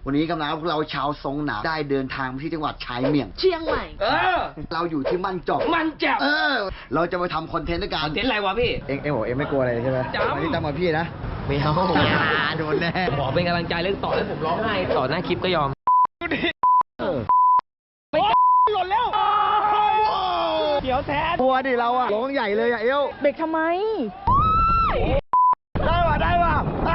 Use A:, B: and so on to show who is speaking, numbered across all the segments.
A: วันนี้กำลังพวกเราชาวทรงหนาได้เดินทางไปที่จังหวัดชายเมียง
B: เชียงใหม่
A: เราอยู่ที่มั่นจอก
C: มันจับ
A: เราจะไปทำคอนเทนต์ด้วยกัน
C: คอนเทนต์อะไรวะพี่
A: เอ็งบอกเอ็งไม่กลัวอะไรใช่ไหมวันนี้ตั้งมาพี่นะไม่เอาโดนแน่
C: ขอเป็นกำลังใจเรื่องต่อให้ผมร้องไห้ต่อหน้าคลิปก็ยอมหล่นแล้วเดี๋ยวแทน
A: กลัวดิเราอะร้องใหญ่เลยอะเอว
B: เบรกทำไม
A: ได้ว่ะ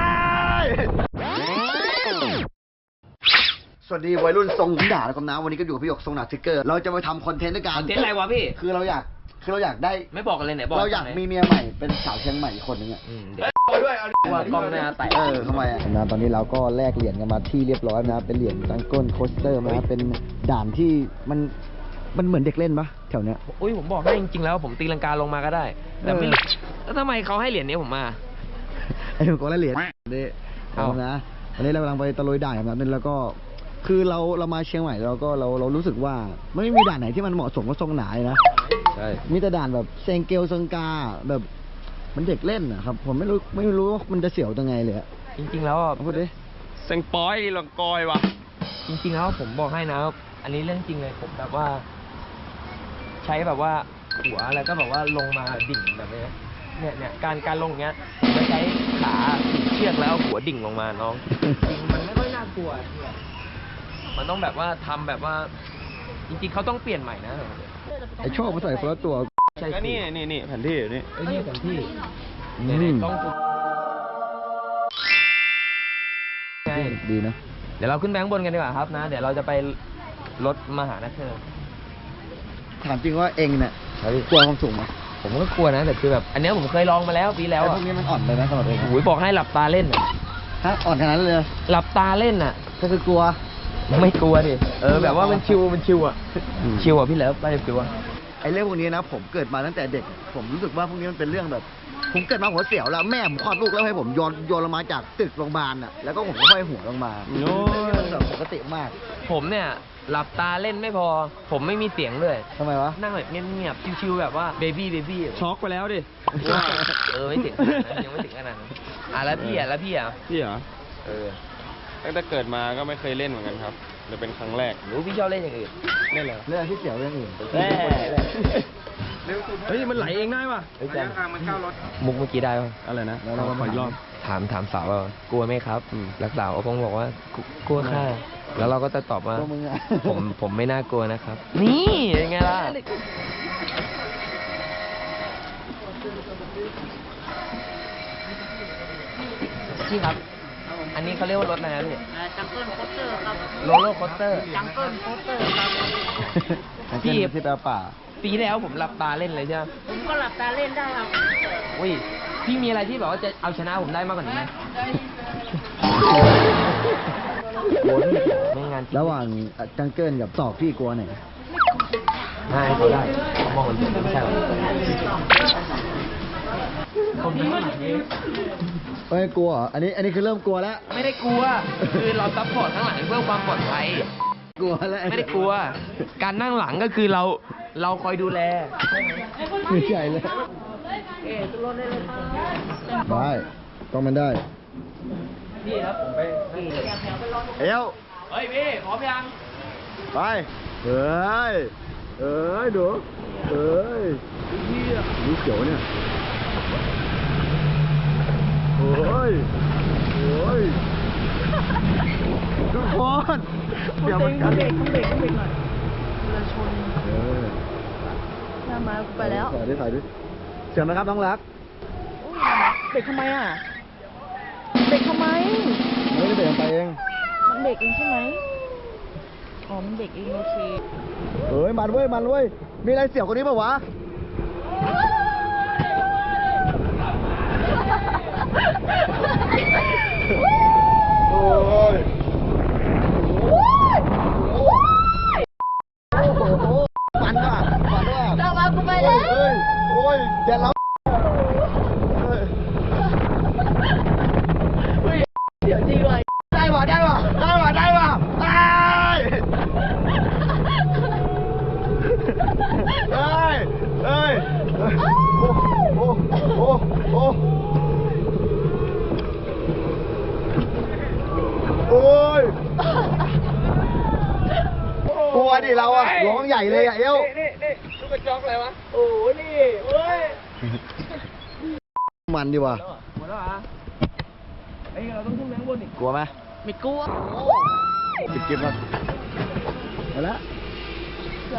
A: สวัสดีวัยรุ่นทรงด่าแล้วกันนะวันนี้ก็อยู่กับพี่หยกทรงหนาทิกเกอร์เราจะไปทำคอนเทนต์ด้วยกัน
C: คอนเทนต์อะไรวะพี่
A: คือเราอยากได้
C: ไม่บอกกันเลยไหนบอก
A: เราอยากมีเมียใหม่เป็นสาวเชียงใหม่อีกคนนึงอะ
C: เดี๋ยวว่ากล้องหน้าแตก
A: ทำไมอะนะตอนนี้เราก็แลกเหรียญกันมาที่เรียบร้อยนะเป็นเหรียญตังก้นโคสเตอร์นะเป็นด่านที่มันเหมือนเด็กเล่นปะแถวเนี้ย
C: อุ้ยผมบอกให้จริงๆแล้วผมตีลังกาลงมาก็ได้แต่ไม่รู้แล้วทำไมเขาให้เหรียญนี้ผมมา
A: ไอ้หนูก็เหรียญนี่เอานะวันนี้เรากำลังไปตะลุยด่านกันนะแล้วก็คือเรามาเชียงใหม่เรารู้สึกว่าไม่มีด่านไหนที่มันเหมาะสมกับทรงหนาเลยนะ
C: ใช่
A: มีแต่ด่านแบบเซงเกลเซงกาแบบมันเด็กเล่นนะครับผมไม่รู้ว่ามันจะเสียวยังไงเลย
C: จริงๆแล้ว
A: พูดดิ
C: เซงปอยลังกอยวะจริงๆแล้วผมบอกให้นะอันนี้เรื่องจริงเลยผมแบบว่าใช้แบบว่าหัวแล้วก็แบบว่าลงมาดิ่งแบบนี้เนี่ยการลงอย่างเงี้ยจะใช้ขาเชือกแล้วหัวดิ่งลงมาน้องจริงมันไม่ค่อยน่ากลัวมันต้องแบบว่าทำแบบว่าจริงๆเขาต้องเปลี่ยนใหม่นะ
A: ไอโชคมาใส่คนละตัว
C: ก็นี่แผนที่นี่นี่แผนที่ต้อง
A: ดีนะ
C: เดี๋ยวเราขึ้นแบงค์บนกันดีกว่าครับนะเดี๋ยวเราจะไปรถมหานักเธอ
A: ถามจริงว่าเองเนี่ยกลัวความสูงไหม
C: ผมก็กลัวนะแต่คือแบบอันนี้ผมเคยลองมาแล้วปีแล้ว
A: พวกนี้มันอ่อนเลยนะสำหรับเอง
C: โอ้ยบอกให้หลับตาเล่น
A: ฮะอ่อนขนาดนั้นเลย
C: หลับตาเล่น
A: ก็คือกลัว
C: ไม่กลัวดิแบบว่ามันชิวอ่ะชิวอ่ะพี่แล้วไปชิวอ่ะ
A: ไอ้เรื่องพวกนี้นะผมเกิดมาตั้งแต่เด็กผมรู้สึกว่าพวกนี้มันเป็นเรื่องแบบผมเกิดมาหัวเสียวแล้วแม่ผมคลอดลูกแล้วให้ผมโยนลงมาจากตึกโรงพยาบาลน่ะแล้วก็ผมก็ห้อยหัวลงมามันแบบปกติมาก
C: ผมเนี่ยหลับตาเล่นไม่พอผมไม่มีเสียงด้วย
A: ทำไมวะ
C: นั่งแบบเงียบๆชิวๆแบบว่าเบบี้
D: ช็อกไปแล้วดิ
C: ไม่ถึงยังไม่ถึงขนาดนั้นแล้วพี่เหรอ
D: ตั้งแต่เกิดมาก็ไม่เคยเล่นเหมือนกันครับจะเป็นครั้งแรก
C: หรือพี่ชอบเล่นอย่างอื่น
D: เล่นอะไร
A: เล่นที่เสียวเรื่องอื่น
D: เฮ้ยมันไหลเองได้ป่ะ
C: มันเข้ารถมุกเมื่อกี้ได้ป่ะ
D: อะไรนะเราขออีกรอบ
C: ถามสาวว่ากลัวไหมครับรักสาวคงบอกว่ากลัวค่ะแล้วเราก็จะตอบว่าผมไม่น่ากลัวนะครับนี่ยังไงล่ะพี่ครับอันนี้เขาเรียกว่ารถอะไรนะพี่
B: จังเกิลโคสเตอร์ครับ
C: โรลเลอร์โคสเตอร์
B: จังเกิลโคสเตอร์ครับ
A: พี่ที่แปลป่า
C: ปีแล้วผมหลับตาเล่นเลยใช่ไหม
B: ผมก็หลับตาเล่นได้ครับ
C: อุ้ยพี่มีอะไรที่แบบว่าจะเอาชนะผมได้มากกว่านี้ไหมไม่งาน
A: ระหว่างจังเกิลกับตอกพี่กลัวไหน
C: ได้เขาได้มองมันไม่ใช่หรอ
A: ไม่กลัวอันนี้คือเริ่มกลัวแล้ว
C: ไม่ได้กลัวคือเราซัพพอร์ตข้างหลังเพื่อความปลอดภัย
A: กลัวแล้ว
C: ไม่ได้กลัวการนั่งหลังก็คือเราคอยดูแล
A: ไม่ใช่เลยได้ต้องมันได้
C: พี่ครับผมไป
A: เอ้า
C: เฮ้ยพี่พร้อมยัง
A: ไปเฮ้ยดูเฮ้ยดูเขียวเนี่ยโอ้ยทุกคน
B: เดี๋ยวมันเบรกหน่อยเรือชนหน้ามาไปแล้ว
A: ถ่ายดิเสียงนะครับน้องรัก
B: เบรกทำไมอ่ะเบรกทำไม
A: ไม่ได้เบรกไปเอง
B: มันเบรกเองใช่ไหมอ๋อมันเบรกเองโอเค
A: มันเว้ยมีอะไรเสียวกว่านี้ป่าวะโอ้ยฝันว่ะ
B: เรามากูไปแล้ว
A: โอ้ยอย่าเรา
B: เดี๋ยวจริงเลย
A: ได้ว่ะตายโอ้เราอะร้องใหญ่เลยอะเอว
C: นี่ลูกกระจอกอะไรวะ โอ้นี่เว้ย
A: มันดีว่ะ
C: หมดแล้วเหรอเอ้ยเราต้องขึ้นแมงบนอีก
A: กลัวไหม
B: ไม่กลัว
A: จิบๆครับมาละ
B: ใช่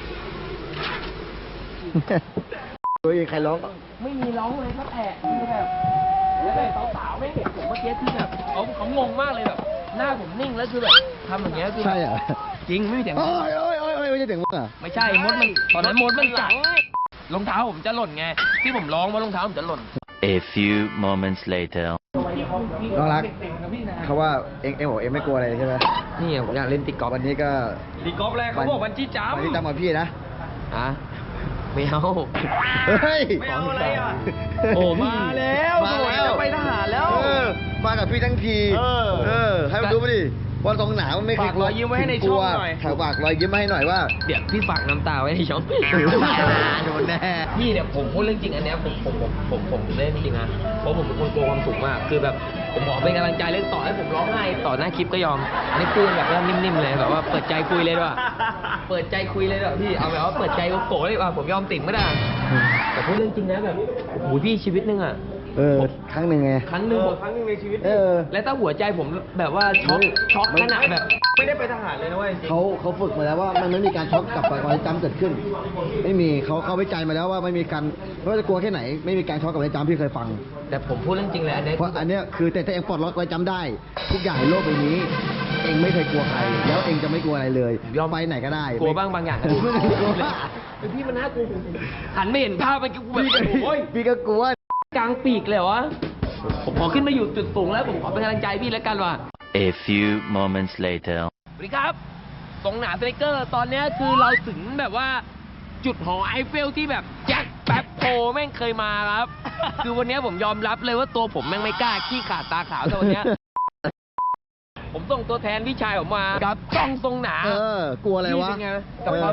A: ตัวเองใครร้อง
C: ไม่มีร้องเลยครับคือแบบแล้วแบบสาวๆไม่เห็นผมเมื่อกี้คือแบบเขางงมากเลยแบบหน้าผมนิ่งแล้วคือแบบทำอย่างเงี้ยคือ
A: ใช่เหรอ
C: จริงไม่มีเสียง
A: โอ้ยโอ้ยโอ้ยโอ้ยไม่ใช่เสียงมึงอ่ะ
C: ไม่ใช่มดมันตอนนั้นมดมันกัดรองเท้าผมจะหล่นไงที่ผมร้องว่ารองเท้าผมจะหล่น
E: A few moments later.
A: น้องรักเขาว่าเองบอกเองไม่กลัวอะไรใช่ไหม
C: นี่ผมอยากเล่นติ๊กกอล์ฟ
A: วันนี้ก็
D: ตีกอล์ฟแรกเขาบอกวันจี้จ้ำ
A: วันนี้จำกับพี่นะ
C: อ่ะไม่เอา
A: เฮ้ย
D: ไม่เอาอะไรอ่ะ
C: โอ้มาแล้ว
A: มาแล้ว
C: จะไปทหารแล้ว
A: มากับพี่ทั้งที ให้มันดูมาดิวันตรงหนาวมันไม่เคย
D: ฝากรอยยิ้มไว้ให้ในช่องหน่อย
A: ถ่ายฝากรอยยิ้มมาให้หน่อยว่า
C: เดี๋ยวพี่ฝากน้ำตาไว้ในช่อง
A: โดนแน่
C: พี่เนี่ยผมพูดเรื่องจริงอันเนี้ยผมเล่นจริงนะเพราะผมเป็นคนกลัวความสูงมากคือแบบผมขอเป็นกำลังใจเล่นต่อให้ผมร้องไห้ต่อหน้าคลิปก็ยอม อันนี้พูดแบบว่านิ่มๆเลยแบบว่าเปิดใจคุยเลยด้วยเปิดใจคุยเลยด้วยพี่เอาแบบว่าเปิดใจโกะเลยว่าผมยอมติ่งไม่ได้แต่พูดเรื่องจริงนะแบบโอ้โหพี่ชีวิตนึงอ่ะ
A: ครั้งหนึ่งไง
C: ครั้งหนึ่ง
D: ครั้งหนึงในชีวิต
C: และถ้าหัวใจผมแบบว่าช็อกขนาดแบบ
D: ไม่ได้ไปทหารเลยนะเว้ยจริง
A: เขาฝึกมาแล้วว่ามันไม่มีการช็อกกลับไปความจำเกิดขึ้น ไม่มีเขาวิจัยมาแล้วว่าไม่มีการไม่ว่าจะกลัวแค่ไหน ไม่มีการช็อกกับความจำพี่เคยฟัง
C: แต่ผมพูดเรื่องจริงเลยอันเนี้ย
A: เพราะอันเนี้ยคือแต่ถ้าเองปลดล็อกไว้จำได้ ทุกอย่างในโลกใบนี้ เองไม่เคยกลัวใคร แล้วเองจะไม่กลัวอะไรเลยยอมไปไหนก็ได้
C: กลัวบ้างบางอย่างนะ
A: ไม่ได้กลัว
C: แต่พี่มันน่ากลัวหันไม่เห็นภาพมันกูแบบ
A: พี่ก็
C: โอ้ย
A: พี่ก็กลัว
C: กลางปีกเลยเหรอวะผมขอขึ้นมาอยู่จุดสูงแล้วผมขอเป็นกำลังใจพี่แล้วกันว่ะ
E: A few moments later.
C: สวัสดีครับตรงหนาสไตรเกอร์ตอนเนี้ยคือเราถึงแบบว่าจุดหอไอเฟลที่แบบแจ็คแป๊บโพแม่งเคยมาครับ คือวันเนี้ยผมยอมรับเลยว่าตัวผมแม่งไม่กล้าขี้ขาดตาขาวแต่วันเนี้ยผมส่งตัวแทนพี่ชายผมมากับจ้องทรงหนาก
A: ลัวอะไรวะ
C: พี่เป็นไงกับความ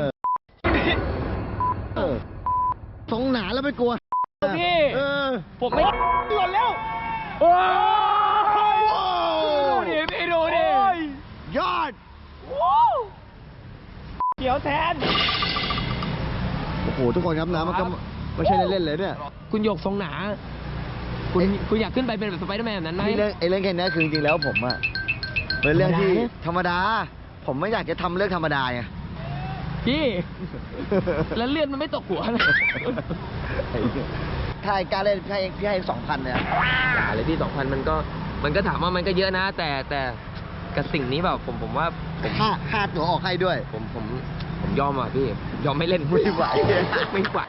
A: สงหนาแล้วไม่กลัว
C: พี่ ผมไม่หล่นแล้วโอ้ยดูดิพี่ดูดิ
A: ยอด
C: เดี๋ยวแทน
A: โอ้โหทุกคนครับนะมันก็ไม่ใช่เล่นๆเลยเนี่ย
C: คุณหยกทรงหนา คุณอยากขึ้นไปเป็นแบบสไปเดอร์แมนแบบนั้นไหม
A: เรื่องแค่นี้คือจริงๆแล้วผมอะเป็นเรื่องที่ธรรมดา ผมไม่อยากจะทำเรื่องธรรมดาไง
C: พี่ แล้วเลื่อนมันไม่ตกหัวนะ
A: ถ้าไอ้การเล่นพี่ให้2,000เนี่ย
C: อย่าเลยพี่2,000มันก็ถามว่ามันก็เยอะนะ แต่กับสิ่งนี้แบบผมว่าผม
A: ค่าตั๋วออกให้ด้วย
C: ผมยอมอ่ะพี่ยอมไม่เล่น
A: ไม่ไหว
C: ไม่ไหว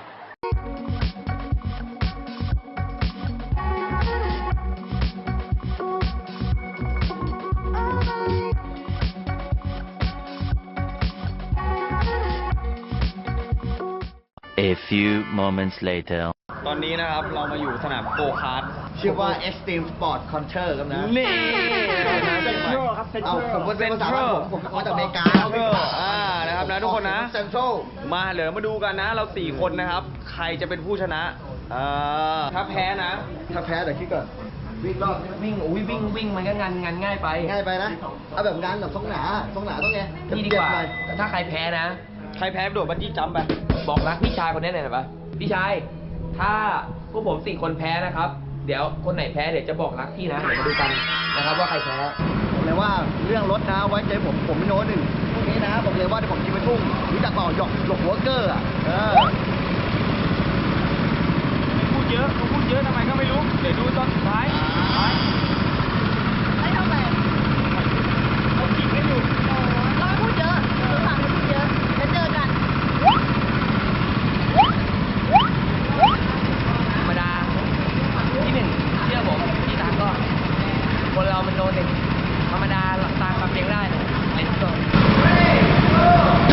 E: A few moments later.
D: ตอนนี้นะครับเรามาอยู่สนามโกคาร์ท
A: ชื่อว่า Extreme Sport Counter ครับนะ
D: นี่
A: เอาผมเป็นภาษาบ้านผมมาจากอเมริกา
D: นะครับนะทุกคนนะ
A: เซ็นทรัล
D: มาเดี๋ยวมาดูกันนะ เรา4คนนะครับ ใครจะเป็นผู้ชนะถ้าแพ้นะ
A: ถ้าแพ้เดี๋ยวคิดก่อนวิ่งรอบ
C: วิ่งวิ่งมันก็งานง่ายไป
A: ง่ายไปนะ เอาแบบงานแบบทรงหนาต้องไง
C: นี่ดีกว่า
A: เบๆหน่อย
C: ถ้าใครแพ้นะ
D: ใครแพ้โดดบันจี้จัมป์ไป
C: บอกรักพี่ชายคนนี้หน่อยนะปะพี่ชาย ถ้าพวกผม4คนแพ้นะครับ เดี๋ยวคนไหนแพ้เดี๋ยวจะบอกรักพี่นะเดี๋ยวมาดูกันนะครับว่าใครแพ้
A: ผมเลยว่าเรื่องรถนะไว้ใจผมไม่โน้ตหนึ่งพวกนี้นะผมเลยว่าที่ผมกินไปทุ่งรู้จักเปล่าหยกหัวเกอร์อ่ะ
D: พูดเยอะทำไมก็ไม่รู้ เดี๋ยวดูตอนสุดท้าย
B: ไม่ทำไม
D: เขาจิกให้อยู่
B: เราไม่พูดเยอะเราสั่งไม่พูดเยอะแล้วเจอกัน
C: ธรรมดาที่หนึ่งเชื่อผมที่ตามก็คนเรามันโดนเด็กธรรมดาหลับตาความเพียงได้เลยเล่นก่อน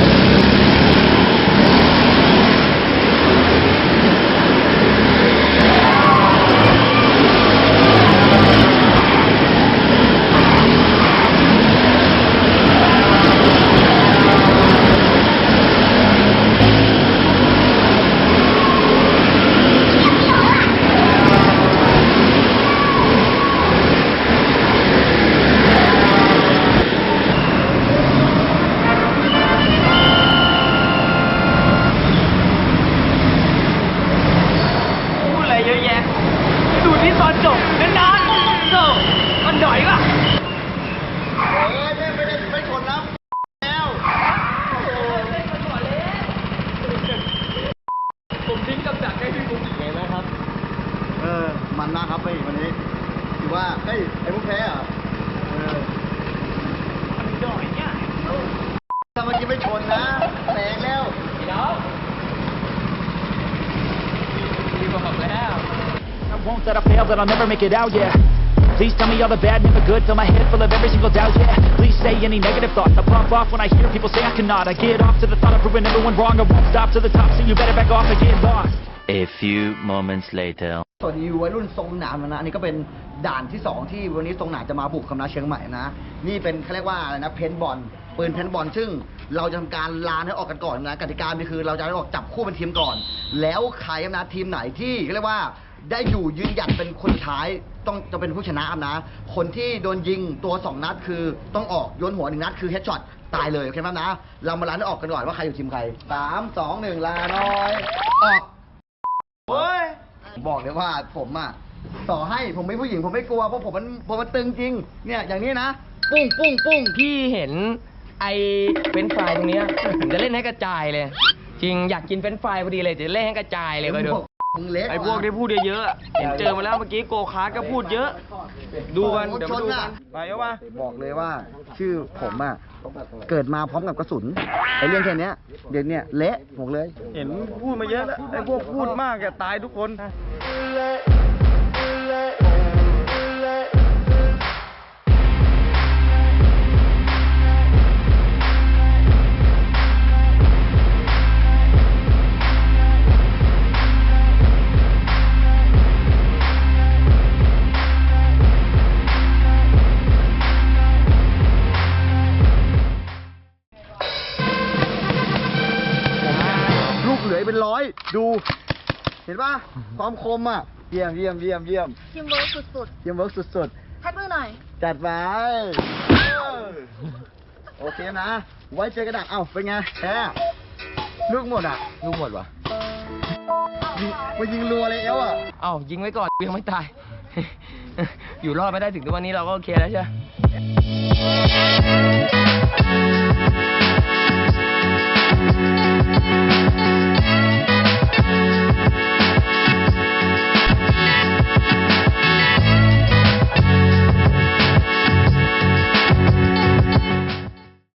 A: ถ้าเมื่อกี้ไม่ชนนะแตกแล้ว
C: พี่น้องพี่บอกแล้ว
F: I won't that I fail, that I'll never make it out, yeah. Please tell me all the bad, never good, fill my head full of every single doubt, yeah. Please say any negative thoughts, I pop off when I hear people say I cannot. I get off to the thought of proving everyone wrong, I won't stop to the top, so you better back off and get lost.
E: A few moments later.
A: สวัสดีวัยรุ่นทรงหนามนะอันนี้ก็เป็นด่านที่ 2ที่วันนี้ทรงหนามจะมาบุกคณะเชียงใหม่นะนี่เป็นเขาเรียกว่าอะไรนะเพนบอลปืนเพนบอลซึ่งเราจะทำการลานให้ออกกันก่อนนะกติกาคือเราจะให้ออกจับคู่เป็นทีมก่อน แล้วใครนะทีมไหนที่เขาเรียกว่าได้อยู่ยืนหยัดเป็นคนท้ายต้องจะเป็นผู้ชนะนะคนที่โดนยิงตัว2นัดคือต้องออกโยนหัว1นัดคือเฮดช็อตตายเลยโอเคไหมนะเรามาลานให้ออกกันก่อนว่าใครอยู่ทีมใคร3 2 1ลาน้อยออก
D: เฮ้ย
A: บอกเลยว่าผมอ่ะต่อให้ผมไม่ผู้หญิงผมไม่กลัวเพราะผมมันตึงจริงเนี่ยอย่างนี้นะปุ้งปุ้งปุ้ง
C: พี่เห็นไอ้เฟรนช์ฟรายตรงเนี้ยผมจะเล่นให้กระจายเลย จริงอยากกินเฟรนช์ฟรายพอดีเลยจะเล่นให้กระจายเลยไปดู
A: มึงเละ
D: ไอ้พวกที่พูดเยอะๆอะเห็นเจอมาแล้วเมื่อกี้โกคาร์ทก็พูดเยอะ ดูกันเดี๋ยวมาดูกันไปเอาวะ
A: บอกเลยว่า ชื่อผมอ่ะเกิดมาพร้อมกับกระสุนไอ้เรื่องแค่เนี้ยเดี๋ยวเนี้ยเละบอกเลย
D: เห็นพูดมาเยอะแล้วไอ้พวกพูดมากแกตายทุกคน
A: ลูกเหลือเป็นร้อยดู เห็นป่ะความคมอ่ะเยี่ยมเยี่ยมเยี่ยมเยี่ยม
B: ทีมเวิร์กสุด
A: เยี่ยมเวิร์กสุด
B: ๆแท็กมือหน่อย
A: ๆจัดไปโอเคนะ ไว้เจอกันดักเอ้าเป็นไงแพ้ลูกหมดอ่ะ
C: ลูกหมดวะ
A: ยิงมันยิงรัวเลยเอวอ่ะ
C: เอ้ายิงไว้ก่อนยังไม่ตาย อยู่รอดไม่ได้ถึงทุกวันนี้เราก็โอเคแล้วใช่ไหม